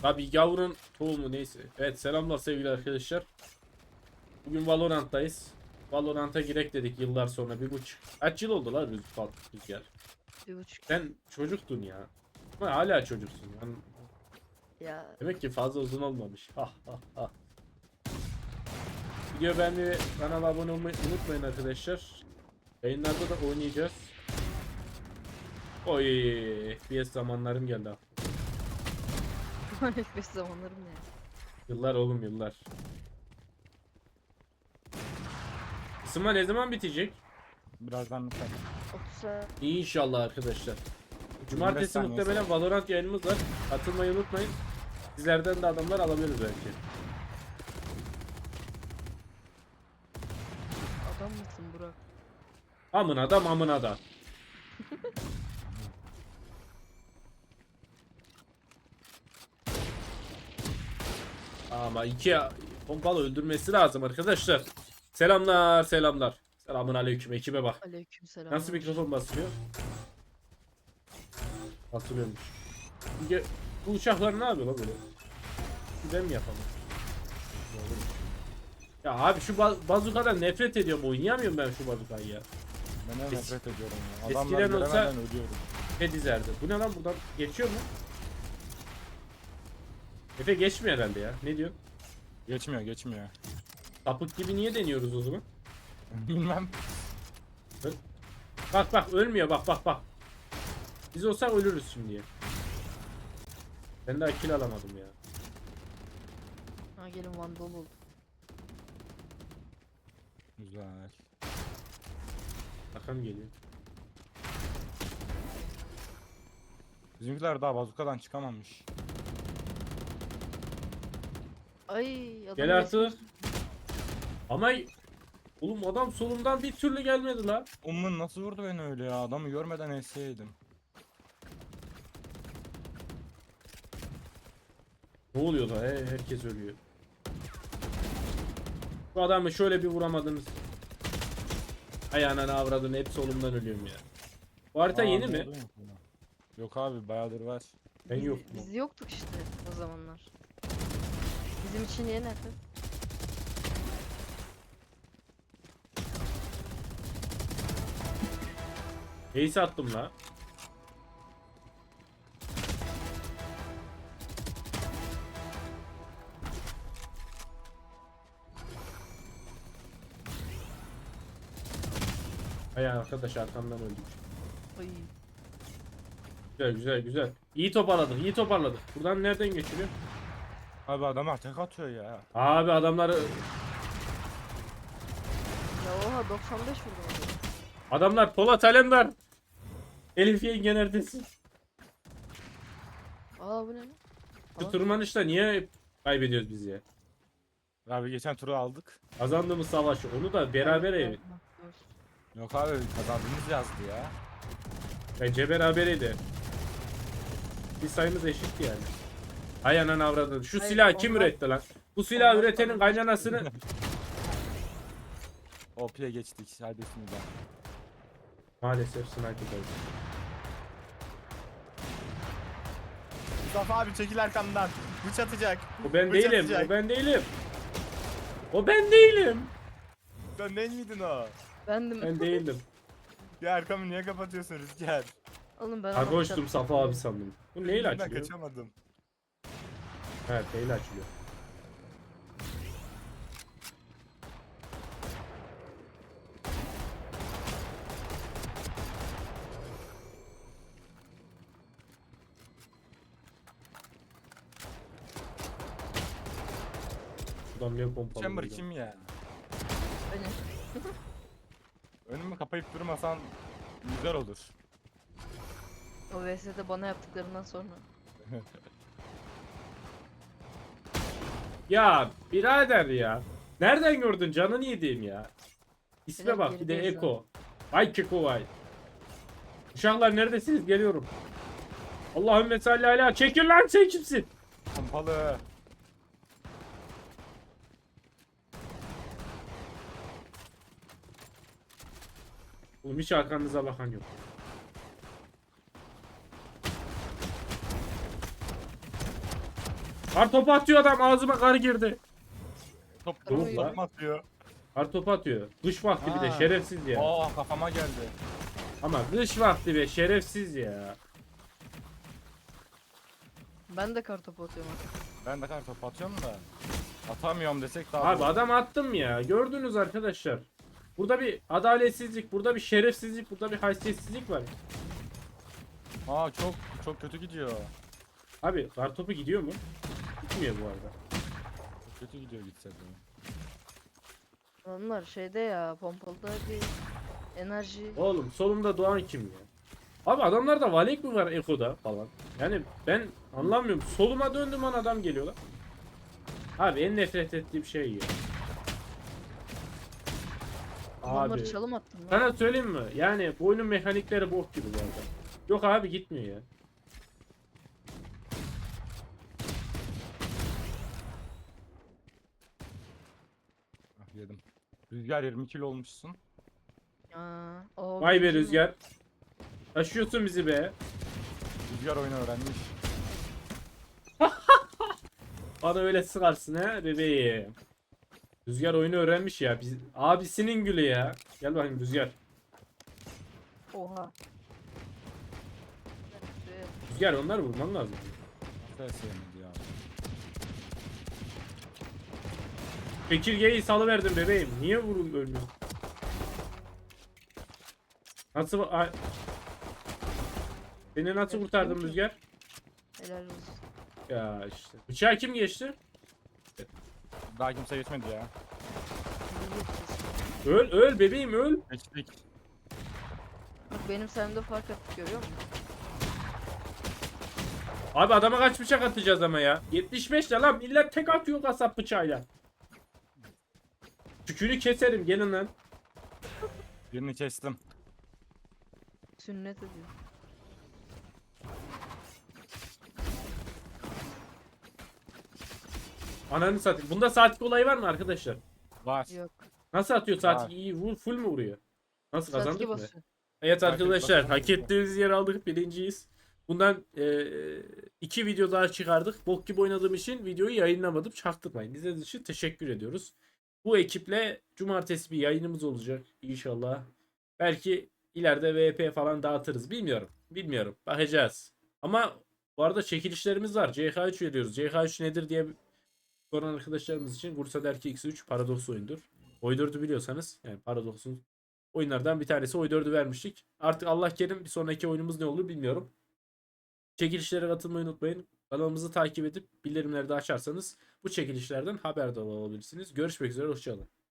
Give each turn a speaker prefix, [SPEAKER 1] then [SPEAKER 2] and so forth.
[SPEAKER 1] Tabii yavrun tohumu neyse. Evet selamlar sevgili arkadaşlar. Bugün Valorant'tayız. Valorant'a girek dedik yıllar sonra 1,5. Kaç yıl oldu lan Rüzgar?
[SPEAKER 2] 1,5
[SPEAKER 1] Sen çocuktun ya. Ama hala çocuksun. Yani
[SPEAKER 2] ya.
[SPEAKER 1] demek ki fazla uzun olmamış. Ha ha ha. Video beğenmeyi ve kanala abone olmayı unutmayın arkadaşlar. Yayınlarda da oynayacağız. Oy, FPS zamanlarım geldi ha.
[SPEAKER 2] FPS zamanlarım ne?
[SPEAKER 1] Yıllar oğlum yıllar. Isınma ne zaman bitecek?
[SPEAKER 3] Birazdan biter.
[SPEAKER 2] 30'a
[SPEAKER 1] İnşallah arkadaşlar.
[SPEAKER 3] 25
[SPEAKER 1] Cumartesi
[SPEAKER 3] saniye
[SPEAKER 1] muhtemelen
[SPEAKER 3] sonra.
[SPEAKER 1] Valorant yayınımız var. Katılmayı unutmayın. Sizlerden de adamlar alabiliriz belki.
[SPEAKER 2] adam mısın Burak?
[SPEAKER 1] Amına da mamına da. Ama iki pompalı öldürmesi lazım arkadaşlar. Selamlar selamlar. Selamun aleyküm ekibe bak.
[SPEAKER 2] Aleykümselam.
[SPEAKER 1] Nasıl mikrofon basılıyor? Basılıyormuş. Şimdi bu uçaklar ne yapıyor lan böyle? Güzel mi yapalım? Ya abi şu bazukadan nefret ediyorum. Oynayamıyorum ben şu bazukayı ya.
[SPEAKER 3] Ben de
[SPEAKER 1] Es-
[SPEAKER 3] nefret ediyorum ya.
[SPEAKER 1] eskiden
[SPEAKER 3] Adamlar
[SPEAKER 1] olsa-
[SPEAKER 3] göremeden ölüyorum.
[SPEAKER 1] Efe dizerdi. Bu ne lan buradan geçiyor mu? Efe geçmiyor herhalde ya. Ne diyorsun?
[SPEAKER 3] Geçmiyor geçmiyor.
[SPEAKER 1] Sapık gibi niye deniyoruz o zaman?
[SPEAKER 3] Bilmem.
[SPEAKER 1] Bak bak ölmüyor bak bak bak. Biz olsak ölürüz şimdi. Ben daha kill alamadım ya.
[SPEAKER 2] Ha gelin Vandal oldu.
[SPEAKER 3] Güzel.
[SPEAKER 1] Bakalım geliyor.
[SPEAKER 3] Bizimkiler daha bazukadan çıkamamış.
[SPEAKER 2] Ay adam
[SPEAKER 1] Gel artık. Ama oğlum adam solumdan bir türlü gelmedi la.
[SPEAKER 3] Ummun nasıl vurdu beni öyle ya? Adamı görmeden enseydim.
[SPEAKER 1] Ne oluyor da herkes ölüyor. Bu adamı şöyle bir vuramadınız. Ayağına avradını hep solumdan ölüyorum ya. Bu harita
[SPEAKER 3] Aa,
[SPEAKER 1] yeni
[SPEAKER 3] ne
[SPEAKER 1] mi?
[SPEAKER 3] oluyor mu? Yok abi bayağıdır var.
[SPEAKER 1] Ben yok mu?
[SPEAKER 2] Biz yoktuk işte o zamanlar. Bizim için yeni efendim.
[SPEAKER 1] Ace attım la. Ay arkadaş arkamdan öldük.
[SPEAKER 2] Ay.
[SPEAKER 1] Güzel güzel güzel. İyi toparladık iyi toparladık. Buradan nereden geçiliyor?
[SPEAKER 3] Abi adamlar tek atıyor ya.
[SPEAKER 1] Abi adamları
[SPEAKER 2] Ya oha 95 vurdum.
[SPEAKER 1] adamlar Polat Alemdar. Elif Yenge neredesin?
[SPEAKER 2] Aa bu ne lan?
[SPEAKER 1] Şu
[SPEAKER 2] Aa.
[SPEAKER 1] tırmanışta niye kaybediyoruz biz ya?
[SPEAKER 3] Abi geçen turu aldık.
[SPEAKER 1] Kazandığımız savaşı onu da beraber evet.
[SPEAKER 3] Yok abi kazandığımız yazdı ya.
[SPEAKER 1] Bence berabereydi. Bir sayımız eşitti yani. Hay anan avradın. Şu
[SPEAKER 2] Hayır,
[SPEAKER 1] silahı kim
[SPEAKER 2] onlar-
[SPEAKER 1] üretti lan? Bu silahı
[SPEAKER 2] onlar
[SPEAKER 1] üretenin
[SPEAKER 2] falan-
[SPEAKER 1] kaynanasını
[SPEAKER 3] OP'ye geçtik. Hadi bismillah.
[SPEAKER 1] maalesef sniper oldu.
[SPEAKER 3] Mustafa abi çekil arkamdan. Bıç atacak.
[SPEAKER 1] O ben
[SPEAKER 3] Bıç
[SPEAKER 1] değilim.
[SPEAKER 3] atacak.
[SPEAKER 1] O ben değilim. O ben değilim.
[SPEAKER 3] Sen ne miydin o?
[SPEAKER 2] Bendim.
[SPEAKER 1] Ben değildim.
[SPEAKER 3] Ya arkamı niye kapatıyorsun Rüzgar?
[SPEAKER 2] Oğlum ben
[SPEAKER 1] Kargoştum Safa abi sandım. Bu neyle
[SPEAKER 3] Ben
[SPEAKER 1] açılıyor?
[SPEAKER 3] kaçamadım.
[SPEAKER 1] Evet neyle açılıyor? Şuradan niye pompalı?
[SPEAKER 3] Chamber
[SPEAKER 1] vuracağım?
[SPEAKER 3] kim ya?
[SPEAKER 2] Benim.
[SPEAKER 3] Önümü kapayıp durmasan güzel olur.
[SPEAKER 2] O VS'de bana yaptıklarından sonra.
[SPEAKER 1] Ya birader ya. Nereden gördün canını yediğim ya. İsme
[SPEAKER 2] Biraz
[SPEAKER 1] bak bir de
[SPEAKER 2] gerideyiz
[SPEAKER 1] Eko. Vay Keko vay. Uşaklar neredesiniz? Geliyorum. Allahümme salli ala. Çekil lan sen kimsin?
[SPEAKER 3] Pompalı.
[SPEAKER 1] Oğlum hiç arkanıza bakan yok. Kar topu atıyor adam, ağzıma kar girdi.
[SPEAKER 3] Top
[SPEAKER 1] Yok
[SPEAKER 3] top
[SPEAKER 1] lan.
[SPEAKER 3] atıyor.
[SPEAKER 1] Kar topu atıyor. Kış vakti bir de
[SPEAKER 3] Ha.
[SPEAKER 1] şerefsiz ya.
[SPEAKER 3] Aa kafama geldi.
[SPEAKER 1] Ama kış vakti be şerefsiz ya.
[SPEAKER 2] Ben de kartopu atıyorum artık.
[SPEAKER 3] Ben de kar top atıyorum da. Atamıyorum desek daha
[SPEAKER 1] Abi
[SPEAKER 3] doğru.
[SPEAKER 1] adam attım ya. Gördünüz arkadaşlar. Burada bir adaletsizlik, burada bir şerefsizlik, burada bir haysiyetsizlik var.
[SPEAKER 3] Aa çok kötü gidiyor.
[SPEAKER 1] Abi kar topu gidiyor mu? Gitmiyor bu arada.
[SPEAKER 3] Çok kötü gidiyor gitse de.
[SPEAKER 2] Adamlar şeyde ya, pompalıda bir enerji.
[SPEAKER 1] Oğlum solumda Doğan kim ya? Abi adamlarda Valek mi var Eko'da falan? Yani ben anlamıyorum. Soluma döndüm an adam geliyor lan. Abi en nefret ettiğim şey ya.
[SPEAKER 2] Adamları
[SPEAKER 1] Abi
[SPEAKER 2] çalım attım lan.
[SPEAKER 1] sana söyleyeyim mi? Yani bu oyunun mekanikleri bok gibi bu arada. Yok abi gitmiyor ya.
[SPEAKER 3] Ah, yedim. Rüzgar 20 kilo olmuşsun.
[SPEAKER 2] Aa, o
[SPEAKER 1] Vay be
[SPEAKER 2] birinci mi?
[SPEAKER 1] Rüzgar. Taşıyorsun bizi be.
[SPEAKER 3] Rüzgar oyunu öğrenmiş.
[SPEAKER 1] Bana öyle sıkarsın ha bebeğim. Rüzgar oyunu öğrenmiş ya. Abisinin gülü ya. Gel bakayım Rüzgar.
[SPEAKER 2] Oha.
[SPEAKER 1] Rüzgar onları vurman lazım.
[SPEAKER 3] Nasıl sevmedi ya.
[SPEAKER 1] Çekirgeyi salıverdim bebeğim. Niye vurun ölmüyorsun? Nasıl... Seni nasıl kurtardım Rüzgar?
[SPEAKER 2] Helal olsun.
[SPEAKER 1] Ya işte. Bıçağı kim geçti?
[SPEAKER 3] Daha kimse geçmedi ya.
[SPEAKER 2] İyi geçeceğiz.
[SPEAKER 1] Öl öl bebeğim öl.
[SPEAKER 3] Geçtik.
[SPEAKER 2] Bak benim sayemde fark attık, görüyor musun?
[SPEAKER 1] Abi adama kaç bıçak atacağız ama ya? 75 de lan millet tek atıyor kasap bıçağıyla. Tükünü keserim gelin lan.
[SPEAKER 3] Birini kestim.
[SPEAKER 2] Sünnet ediyor.
[SPEAKER 1] Ananı satayım. Bunda saatlik olayı var mı arkadaşlar?
[SPEAKER 3] Var.
[SPEAKER 2] Yok.
[SPEAKER 1] Nasıl atıyor saatlik?
[SPEAKER 3] Var.
[SPEAKER 1] İyi full mu vuruyor? Nasıl kazandık
[SPEAKER 2] Saatki
[SPEAKER 1] mı?
[SPEAKER 2] basıyor.
[SPEAKER 1] Evet
[SPEAKER 3] Saatlik
[SPEAKER 1] arkadaşlar
[SPEAKER 3] basıyor.
[SPEAKER 1] hak ettiğimiz yer aldık, birinciyiz. Bundan 2 video daha çıkardık. Bok gibi oynadığım için videoyu yayınlamadım. Çaktırmayın. İzlediğiniz için teşekkür ediyoruz. Bu ekiple cumartesi bir yayınımız olacak inşallah. Belki ileride VP falan dağıtırız. Bilmiyorum. Bilmiyorum. Bakacağız. Ama bu arada çekilişlerimiz var. CH3 veriyoruz. CH3 nedir diye soran arkadaşlarımız için Bursa Derki X3 Paradox oyundur. Oy 4'ü biliyorsanız yani Paradox'un oyunlardan bir tanesi Oy 4'ü vermiştik. Artık Allah kerim bir sonraki oyunumuz ne olur bilmiyorum. Çekilişlere katılmayı unutmayın. Kanalımızı takip edip bildirimleri de açarsanız bu çekilişlerden haberdar olabilirsiniz. Görüşmek üzere. Hoşçakalın.